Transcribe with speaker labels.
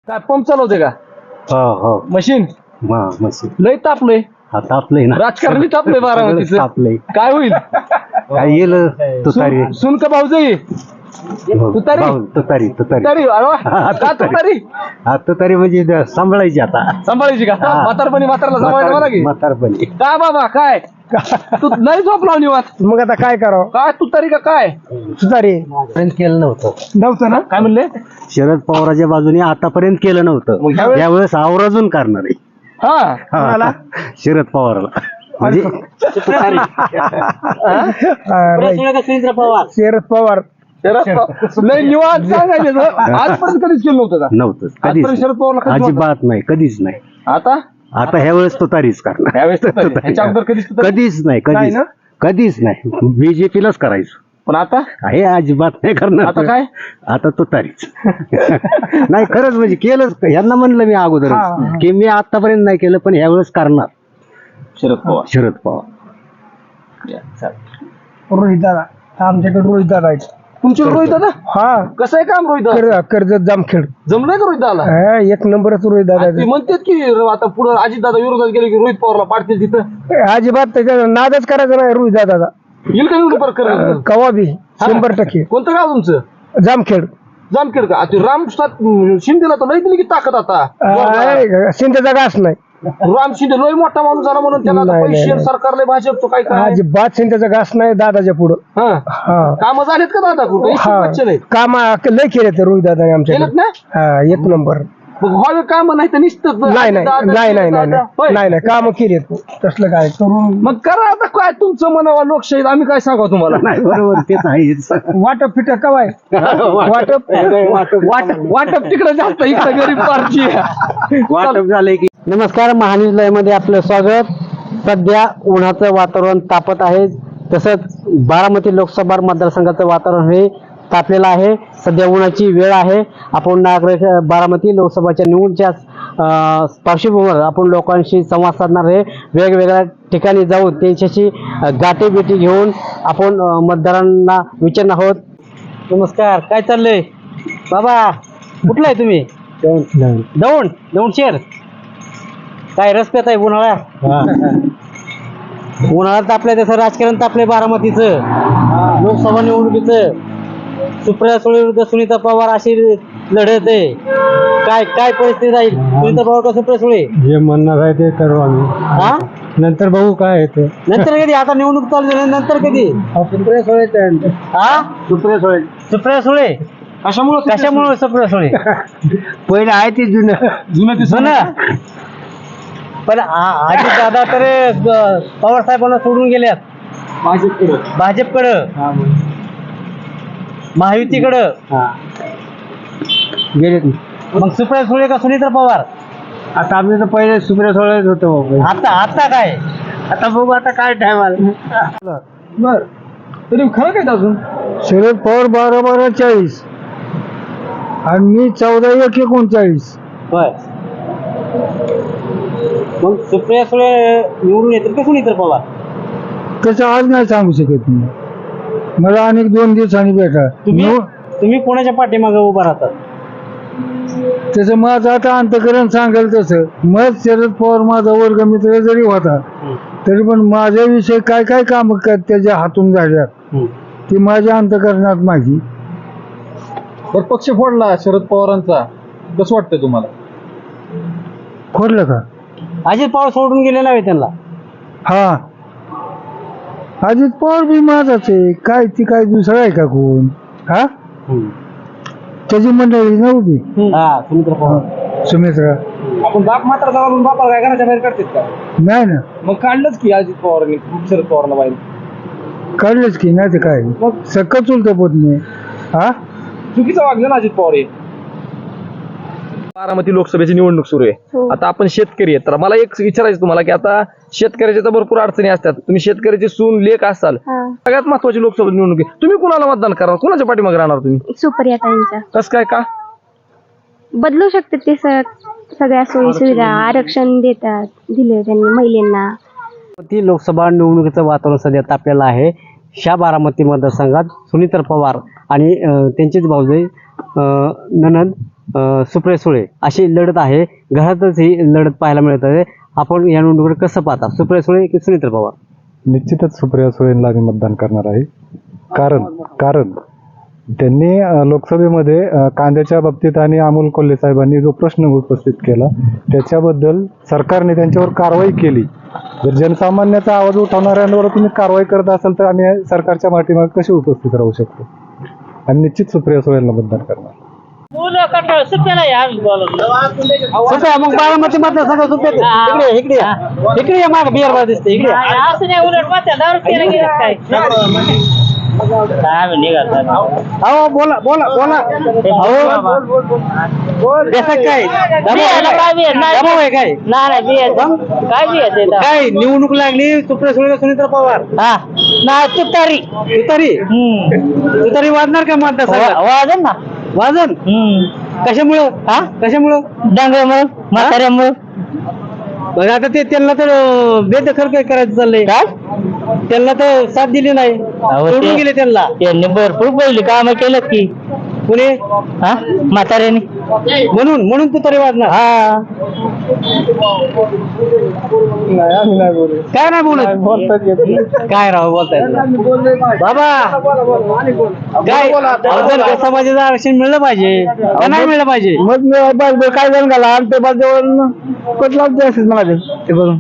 Speaker 1: काय पंप चालवते का
Speaker 2: हो
Speaker 1: मशीन
Speaker 2: मशीन
Speaker 1: लय तापलंय
Speaker 2: तापलंय ना
Speaker 1: राजकारणी तापलंय बारामतीचं
Speaker 2: तापलंय
Speaker 1: काय होईल
Speaker 2: काय येईल तुतारी
Speaker 1: सुन का भाऊजाई तुतारी
Speaker 2: तुतारी
Speaker 1: तुतारी अरे वा. का तुतारी
Speaker 2: तुतारी म्हणजे सांभाळायची आता
Speaker 1: सांभाळायची का म्हातारपणी म्हातारला सांभाळायचं मला की
Speaker 2: म्हातारपणी
Speaker 1: का बाबा काय तू नाही झोपला निवात
Speaker 3: मग आता काय करावं
Speaker 1: काय तुतारी का काय
Speaker 3: सुतारी
Speaker 2: केलं नव्हतं
Speaker 1: ना काय म्हणले
Speaker 2: शरद पवाराच्या बाजूने आतापर्यंत केलं नव्हतं
Speaker 1: मग ह्यावेळेस?
Speaker 2: यावेळेस आवर्जून करणार आहे
Speaker 1: हा
Speaker 2: शरद पवारला म्हणजे
Speaker 3: शरद पवार
Speaker 1: लय निवांत सांगायचं आजपर्यंत कधीच केलं नव्हतं का
Speaker 2: नव्हतं
Speaker 1: आजपर्यंत
Speaker 2: कधीच
Speaker 1: शरद पवारला कधीच
Speaker 2: अजिबात नाही कधीच नाही
Speaker 1: आता
Speaker 2: आता ह्या वेळेस तुतारीच करणार
Speaker 1: त्यावेळेस तुतारी. ह्याच्या अगोदर कधीच तुतारी?
Speaker 2: कधीच नाही
Speaker 1: नाही
Speaker 2: कधीच
Speaker 1: ना?
Speaker 2: कधीच नाही बीजेपीलाच करायचं
Speaker 1: पण आता
Speaker 2: हे अजिबात नाही करणार
Speaker 1: आता काय?
Speaker 2: आता तुतारीच नाही खरंच म्हणजे केलंच यांना म्हणलं मी अगोदर की मी आतापर्यंत नाही केलं पण ह्या वेळेस करणार
Speaker 1: शरद पवार
Speaker 2: शरद पवार
Speaker 3: रोहित दादा आमच्याकडे रोहित दादा आहेत
Speaker 1: तुमच्याकडे रोहित दादा
Speaker 3: हा
Speaker 1: कसं आहे काम रोहित दादा
Speaker 3: कर्जत जामखेड
Speaker 1: जमलंय का रोहित दादा
Speaker 3: हा, एक नंबरच रोहित दादा
Speaker 1: ते म्हणतात की आता पुढे अजित दादा विरोधात गेले की रोहित पवारला पाडतील तिथं
Speaker 3: अजिबात त्याच्या नादच करायचा नाही रोहित दादाचा
Speaker 1: येईल का निवडून परत
Speaker 3: कवा बी 100%
Speaker 1: कोणतं गाव तुमचं
Speaker 3: जामखेड
Speaker 1: जामखेड का ते राम शिंदेला तर लय दिली की ताकद आता
Speaker 3: शिंदेचा घास नाही
Speaker 1: राम शिंदे लय मोठा माणूस झाला म्हणून त्याला आता
Speaker 3: नाही,
Speaker 1: पैसे
Speaker 3: नाही.
Speaker 1: सरकारला भाजपचं काय काय
Speaker 3: अजिबात शिंदेचा घास नाही दादाच्या पुढं हा
Speaker 1: काम झालेत का दादा कुठे
Speaker 3: हा
Speaker 1: नाही
Speaker 3: काम लय केले ते रोहित दादा
Speaker 1: केलेत
Speaker 3: आमच्याकडे
Speaker 1: ना
Speaker 3: हा एक नंबर
Speaker 1: मग व्हावे काम नाही तर निसतं
Speaker 3: नाही नाही
Speaker 1: दादा,
Speaker 3: नाही नाही नाही
Speaker 1: दादा. होय.
Speaker 3: नाही नाही काम केले तसलं काय करून
Speaker 1: मग करा आता काय तुमचं म्हणावा लोकशाहीत आम्ही काय सांगा तुम्हाला
Speaker 2: नाही बरोबर तेच आहेच
Speaker 3: वाटप फिट कवाय वाटप
Speaker 1: वाटप तिकडे जास्त इकडे गरीब पार्टी आहे.
Speaker 2: वाटप झालंय की
Speaker 4: नमस्कार महान्यूज लाईव्ह मध्ये आपलं स्वागत. सध्या उन्हाचं वातावरण तापत आहे, तसंच बारामती लोकसभा मतदारसंघाचं वातावरण हे तापलेलं आहे. सध्या उन्हाची वेळ आहे. आपण नागरिक बारामती लोकसभाच्या निवडणुकीच्या पार्श्वभूमीवर आपण लोकांशी संवाद साधणार आहे. वेगवेगळ्या ठिकाणी जाऊन त्यांच्याशी गाठीभेटी घेऊन आपण मतदारांना विचारणार आहोत. नमस्कार, काय चाललंय बाबा? कुठला आहे तुम्ही? दौंड शहर. काय रस पेत आहे उन्हाळ्यात? उन्हाळ्यात तापलंय तसं राजकारण तापलंय बारामतीचं. लोकसभा निवडणुकीचं सुप्रिया सुळे विरुद्ध सुनीता पवार अशी लढत आहे. काय काय परिस्थिती राहील? सुनीता पवार का सुप्रिया सुळे?
Speaker 3: जे म्हणणार आहे ते करू आम्ही
Speaker 4: हा
Speaker 3: नंतर बघू काय आहे ते
Speaker 4: नंतर कधी? आता निवडणूक चालू झाली नंतर कधी?
Speaker 3: सुप्रिया सुळे
Speaker 4: हा
Speaker 3: सुप्रिया सुळे
Speaker 4: सुप्रिया सुळे कशामुळे सुप्रिया सुळे?
Speaker 3: पहिले आहे ते जुनं
Speaker 4: जुनं. पण आजी दादा तर पवार साहेबांना सोडून गेल्यात भाजपकडं महायुतीकडं.
Speaker 3: गेले
Speaker 4: मग सुप्रिया सुळे का सुनीता पवार?
Speaker 3: आता आम्ही तर पहिले सुप्रिया सुळेच होतो
Speaker 4: आता काय?
Speaker 3: आता बघू आता काय टाइम आला
Speaker 1: बर तरी खरं काय अजून
Speaker 3: शरद पवार 12-12-40 आणि मी 14-1-39.
Speaker 4: होय. मग सुप्रिया सुळे निवडून येतील का सुनीता पवार?
Speaker 3: त्याचं आज नाही सांगू शकत मी. मला अनेक 2 दिवसांनी भेटा
Speaker 4: तुम्ही कोणाच्या पाठीमागे उभा राहतात?
Speaker 3: त्याचं माझं आता अंतकरण सांगेल तसं. मग शरद पवार माझा वर्ग मित्र जरी होता तरी पण माझ्याविषयी काय काय काम त्याच्या हातून झाल्यात ती माझ्या अंतकरणात माझी.
Speaker 1: तर पक्ष फोडला शरद पवारांचा, कसं वाटतंय तुम्हाला?
Speaker 3: खोडलं का?
Speaker 4: अजित पवार सोडून गेले नाही त्यांना?
Speaker 3: हा अजित पवार बी माझाच आहे. काय ती काय दुसरा आहे का कोण? हा त्याची मंडळी नव्हती
Speaker 4: हा सुनीता पवार.
Speaker 3: सुमित्रा
Speaker 1: आपण बाप मात्र जाऊन बापाला काय घराच्या बाहेर काढतात का?
Speaker 3: नाही ना
Speaker 1: मग काढलंच की अजित पवारांनी शरद पवारला बाहेर.
Speaker 3: काढलंच की नाही ते काय
Speaker 1: मग
Speaker 3: सक्क चुलत पोट नाही. हा
Speaker 1: चुकीचं वागलं ना अजित पवार हे. बारामती लोकसभेची निवडणूक सुरू आहे. आता आपण शेतकरी आहेत, तर मला एक विचारायचं तुम्हाला की आता शेतकऱ्याच्या तर भरपूर अडचणी असतात. तुम्ही शेतकऱ्याची सून लेख असाल, सगळ्यात महत्वाची लोकसभा निवडणूक आहे. तुम्ही कुणाला मतदान करणार? कुणाच्या पाठीमागे राहणार तुम्ही?
Speaker 5: सुप्रियाताईंच्या.
Speaker 1: कसं काय का?
Speaker 5: बदलू शकते ते सगळ्या सोयी सुविधा आरक्षण दिले त्यांनी महिलांना.
Speaker 4: ती लोकसभा निवडणुकीचं वातावरण सध्या तापलेलं आहे. बारामती मतदारसंघात सुनीता पवार आणि त्यांचीच भाऊजाई ननंद सुप्रिया सुळे अशी लढत आहे. घरातच ही लढत पाहायला मिळत आहे. आपण या निवडणुकीकडे कसं पाहता, सुप्रिया सुळे की सुनीता पवार?
Speaker 6: निश्चितच सुप्रिया सुळेंना मी मतदान करणार आहे. कारण त्यांनी लोकसभेमध्ये कांद्याच्या बाबतीत आणि अमोल कोल्हे साहेबांनी जो प्रश्न उपस्थित केला त्याच्याबद्दल सरकारने त्यांच्यावर कारवाई केली. जर जनसामान्याचा आवाज उठवणाऱ्यांवर तुम्ही कारवाई करत असाल तर आम्ही सरकारच्या पाठीमागे कसे उपस्थित राहू शकतो. आणि निश्चित सुप्रिया सुळेंना मतदान करणार.
Speaker 4: सुप्रिया, मग बारामती मतदारसंघ सुप्रिया इकडे या माग बिहार दिसते इकडे अहो बोला बोला बोला काय दबाव आहे काय काय निवडणूक लागली सुप्रिया सुळे सुनीता पवार तुतारी वाजणार का मतदारसंघात? वाजन कशामुळं
Speaker 7: डांगऱ्यामुळं म्हाताऱ्यामुळं
Speaker 4: बघा आता ते त्यांना तर बेदखल काय करायचं चाललंय. त्यांना तर साथ दिली नाही, सोडून गेले त्यांना.
Speaker 7: त्यांनी भरपूर पहिली कामं केलं की
Speaker 4: पुणे
Speaker 7: म्हाताऱ्याने
Speaker 4: म्हणून तू तरी वाजणार. काय नाही बोलत काय राव बोलताय बाबा काय अवजन समाजाचं आरक्षण मिळलं पाहिजे का नाही मिळलं पाहिजे?
Speaker 3: मग काय झालं घाला आणि ते बाजूवर कटला मला ते करून